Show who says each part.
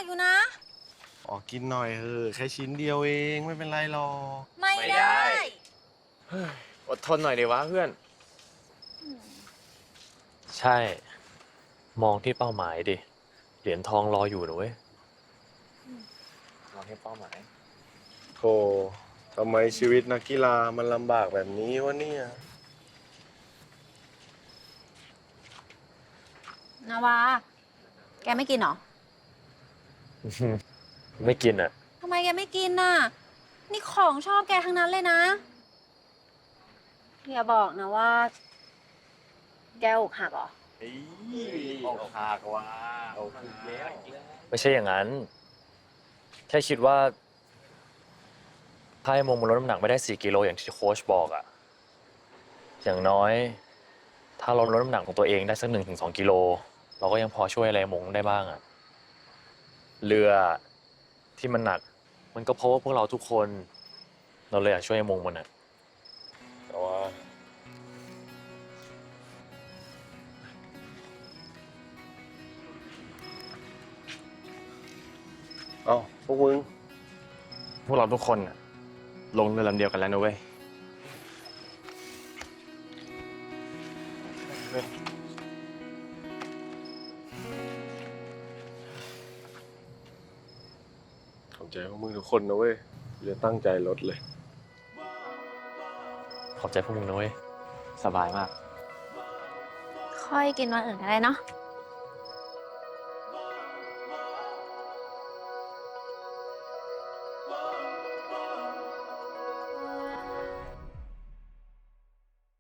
Speaker 1: ากอยู่นะ
Speaker 2: ออกกินหน่อยเถอะแค่ชิ้นเดียวเองไม่เป็นไรหรอก
Speaker 1: ไม่ได้
Speaker 3: อดทนหน่อยดีวะเพื่อน
Speaker 4: ใช่ มองที่เป้าหมายดิ เหรียญทองรออยู่นะเว้ย
Speaker 3: มองที่เป้าหมาย
Speaker 2: โธ่ทำไมชีวิตนักกีฬามันลำบากแบบนี้วะเนี่ย
Speaker 1: นาวา แกไม่กินเหรอ
Speaker 4: ไม่กินอ่ะ
Speaker 1: ทำไมแกไม่กินน่ะ นี่ของชอบแกทั้งนั้นเลยนะ อย่าบอกนะว่า แกอกหักเหรอ
Speaker 3: ออกหากว่าออกแล้ว
Speaker 4: ไม่ใช่อย่างนั้น แค่คิดว่า ถ้าให้มงมันลดน้ำหนักไม่ได้4 กิโลอย่างที่โค้ชบอกอ่ะ อย่างน้อย ถ้าเราลดน้ำหนักของตัวเองได้สัก1 ถึง 2 กิโล เราก็ยังพอช่วยอะไรมงได้บ้างอ่ะ เรือที่มันหนัก มันก็เพราะว่าพวกเราทุกคน เราเลยอยากช่วยมงมันอ่ะ
Speaker 2: แต่ว่าเอ้าพวกมึง
Speaker 3: พวกเราทุกคนน่ะลงเรือลำเดียวกันแล้วนะเว้ย
Speaker 2: ขอบใจพวกมึงทุกคนนะเว้ยกูจะตั้งใจลดเลย
Speaker 4: ขอบใจพวกมึงนะเว้ย
Speaker 3: สบายมาก
Speaker 1: ค่อยกินวันอื่นก็ได้เนาะ